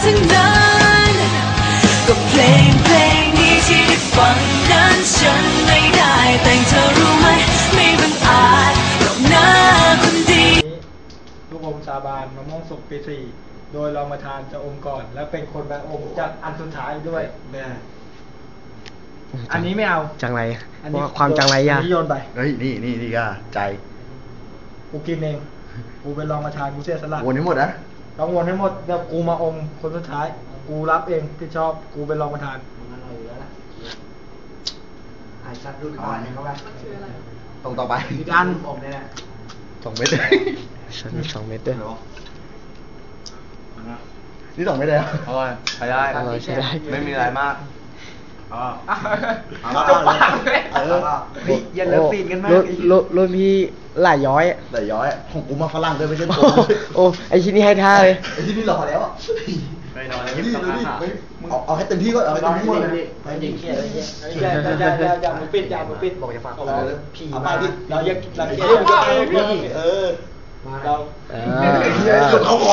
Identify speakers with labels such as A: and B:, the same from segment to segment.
A: ทั้งนั้นก็เพลงนี้ที่ได้ฟังนั้นฉันไม่ได้แต่งเธอรู้ไหมไม่บังอาจหรอกนะคนดี
B: ลูกอมสาบานมะม่วงสุกปี 4โดยรองประธานจะอมก่อนและเป็นคนแบอมจัดอันสุดท้ายด้วยแม่อันนี้ไม่เอา
C: จังไรความจังไรยาก
B: อันนี้โยนไป
D: เฮ้ยนี่ก็ใจ
B: กูกินเองกูเป็นรองประธานกูเสียสละ
D: วนให้หมดนะ
B: ต้องวนให้หมดเดี๋ยวกูมาอมคนสุดท้ายกูรับเองที่ชอบกูเป็นรองประธานไอ้ชัดรุ่นก่อนนี่เขาไป
D: ตรงต่อไป
B: อีกอันผมเนี่ย
D: 2 เม็ดเลย
C: ฉัน2 เม็ดด้วย
D: นี่2 เม็ดเลย
E: อร่อยใช้ได้ไม่มีอะไรมาก
B: จบปากเลยอย่าเลิกปีนกันมาก
C: รุ่นพี่หลายย้อย
D: ของกูมาฝรั่งด้วยไม่ใช่ตัว
C: โอ้ไอชิ้นนี้ให้ท่าเลย
D: ไอชิ้นนี้หล่อแล้ว
E: ไม่รอแล้ว
D: เอาให้เต็มที่ก็เอาให้เต็มที่หมดเลย
B: ยิงเขี้ยอย่ามือปิดบอกจะฝากเราผีมาดิเราเขี้ยเรา
D: สุดเขาขอ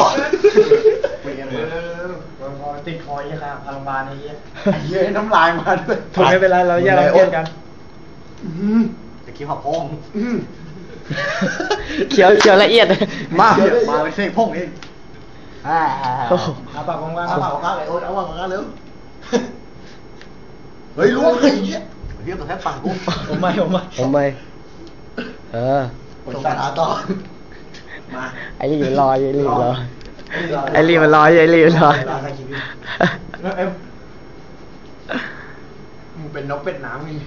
B: ติดคอยค่ะพลังบาลไอ้เหี้ย
D: เยอะน้ำลายมาด้วย
B: ถูกไม่เป็นไรเราแยกเขี้ยกัน
D: จะคิ้วหับพอง
C: เขียวละเอียด
D: มาเลยเสกพงเอง
B: เอาปากของว่าง
D: เอาปากของข้าเลยโอ๊ตเอาปากของข้าเร็วเฮ้ยรู้ไอ้เหี้ยเรียกตัวแทบปากกู
B: ผมไม่
C: ผม
D: สารต่อ
C: มาไอ้รีบรอไอ้รีบมันรอ
B: มึงเป็นนกเป็ดน้ำนี่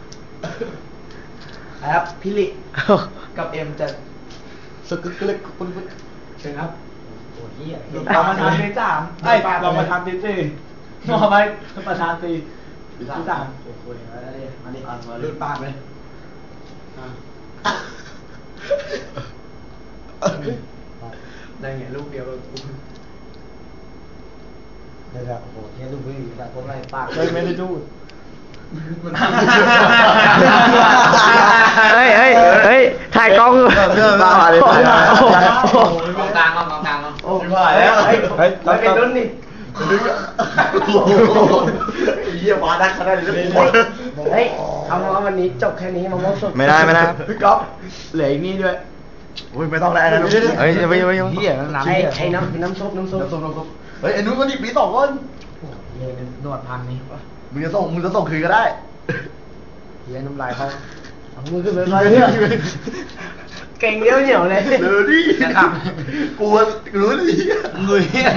B: ครับพี่ลิกับเอ็มจะ
D: สึกกึกคุณ
B: เชิญครับโอ้ยเรามาทำที่3เรามาทำที่4มาไปประธานที่3โอ้โหมาดิรุ่นปากเลยได้ไงลูกเดียวกูได้แล้วโอ้โหเนี่ยลูกพี่แต่ผมอะไรปากเลยไม่ได้ดู
C: เฮ้ยถ่ายกล้อง
E: บ้าเลยกองกลาง
B: โอ้ยผ่านแล้วเฮ้ยเราเป็นรุ่นนี่
D: เยี่ยมมาได้ขนาดนี้
B: เฮ้ยเอาวันนี้จบแค่นี้มาม่วงสด
C: ไม่ได้
B: พี่ก๊อฟเหลืออีกนี่ด้วย
D: ไม่ต้องแล้วนะ
C: เฮ้ยไป
B: เหี้ยน้ำซุป
D: เฮ้ยไอ้นู้นก็นี่ปี2คน
B: นวดพันนี่
D: มึงจะส่งคืนก็ได้
B: เหี้ยน้ำลายเขาเอามือขึ้นไปเลยเนี่ยเก่งเหนียวเลย
D: เดี๋ยวดิกูรู้ดิ
E: มือเหี้ย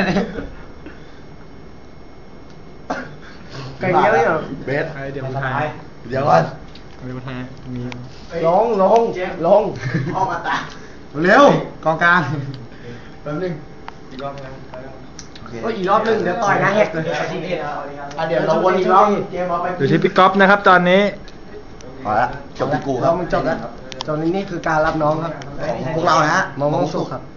B: เก่งเหนียว
D: เบส
B: เดี๋ยวทาย
D: เดี๋ยวก่อน
B: เดี๋ยวทายมีลง
D: ออกมาตา
B: เร็วกองกลางแป๊บนึงอีกรอบนึงอีกรอบนึงเดี๋ยวต่อยหน้าแหกเลยเดี๋ยวเราวนอีกรอบอยู่ที่พี่ก๊อฟนะครับตอนนี้
D: พอละจบที่กูครับ
B: เรามันจบแล้วตอนนี้นี่คือการรับน้องครับ
D: พวกเรานะ
B: มองสุขครับ